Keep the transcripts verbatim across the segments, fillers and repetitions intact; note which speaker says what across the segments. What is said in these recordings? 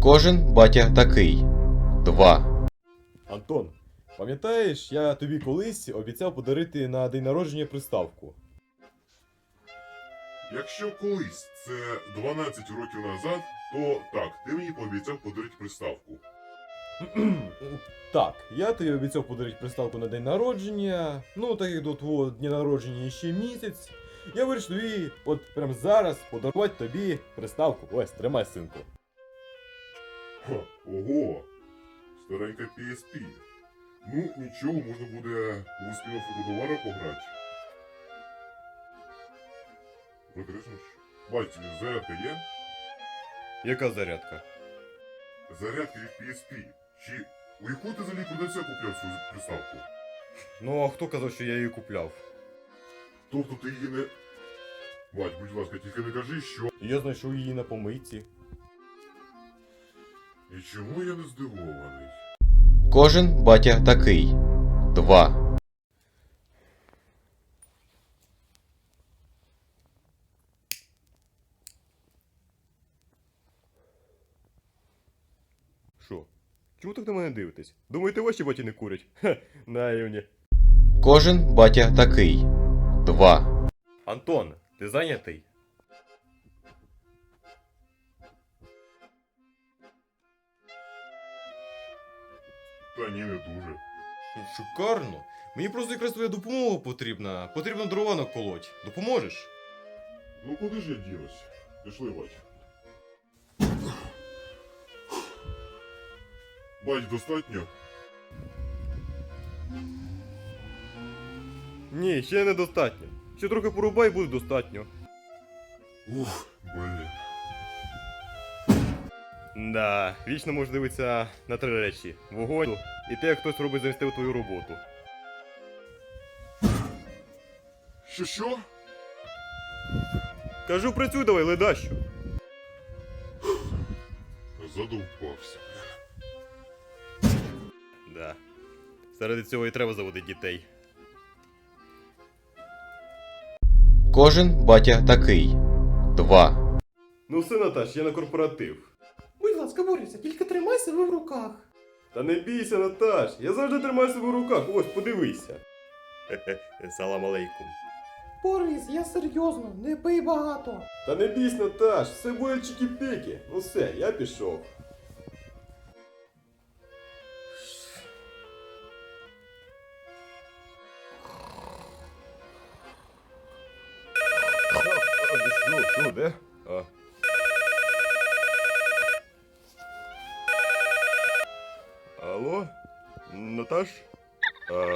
Speaker 1: Кожен батя такий. два.
Speaker 2: Антон, пам'ятаєш, я тобі колись обіцяв подарити на день народження приставку?
Speaker 3: Якщо колись це дванадцять років назад, то так, ти мені пообіцяв подарити приставку.
Speaker 2: Так, я тобі обіцяв подарити приставку на день народження. Ну, так як до твого дня народження ще місяць, я вирішив тобі, от прямо зараз, подарувати тобі приставку. Ось, тримай, синку.
Speaker 3: Ха, ого! Старенька пі ес пі. Ну, нічого, можна буде у спільну фототовару пограти. Викришнеш? Бать, зарядка є?
Speaker 2: Яка зарядка?
Speaker 3: Зарядка від пі ес пі. Чи у яку ти взагалі продавця купляв свою приставку?
Speaker 2: Ну, а хто казав, що я її купляв?
Speaker 3: Тобто ти її не... Бать, будь ласка, тільки не кажи, що...
Speaker 2: Я знайшов її на помийці.
Speaker 3: І чому я не здивований?
Speaker 1: Кожен батя такий. два.
Speaker 2: Що? Чому так на мене дивитесь? Думаєте, ваші баті не курять? Ха, наївні.
Speaker 1: Кожен батя такий. два.
Speaker 2: Антон, ти зайнятий?
Speaker 3: Та ні, не дуже.
Speaker 2: Шикарно. Мені просто якраз твоя допомога потрібна. Потрібно дрова наколоть. Допоможеш?
Speaker 3: Ну куди ж я ділась? Пішли, бать. Бать, достатньо?
Speaker 2: Ні, ще недостатньо. Ще трохи порубай, буде достатньо.
Speaker 3: Ух, блін.
Speaker 2: Да, вічно можеш дивитися на три речі: вогонь і те, як хтось робить замістив твою роботу.
Speaker 3: Що що?
Speaker 2: Кажу, працюй давай, ледащо.
Speaker 3: Задовбався.
Speaker 2: Да. Заради цього і треба заводити дітей.
Speaker 1: Кожен батя такий. два.
Speaker 2: Ну все, Наташ, я на корпоратив.
Speaker 4: Будь ласка, Борисе, тільки тримай себе в руках.
Speaker 2: Та не бійся, Наташ, я завжди тримаю себе в руках, ось, подивися. Хе-хе, салам алейкум.
Speaker 4: Борис, я серйозно, не пий багато.
Speaker 2: Та не бійся, Наташ, все буде чики-піки. Ну все, я пішов. Що, що, де? А. Алло? Наташ? А...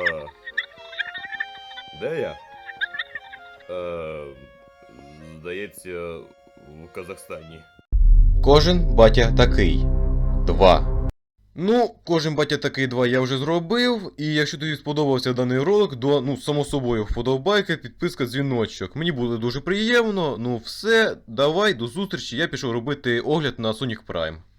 Speaker 2: Де я? А... Здається, в Казахстані.
Speaker 1: Кожен батя такий. два. Ну, кожен батя такий два я вже зробив. І якщо тобі сподобався даний ролик, то, ну, само собою, вподобайка, підписка, дзвіночок. Мені буде дуже приємно. Ну все, давай, до зустрічі. Я пішов робити огляд на Sonic Prime.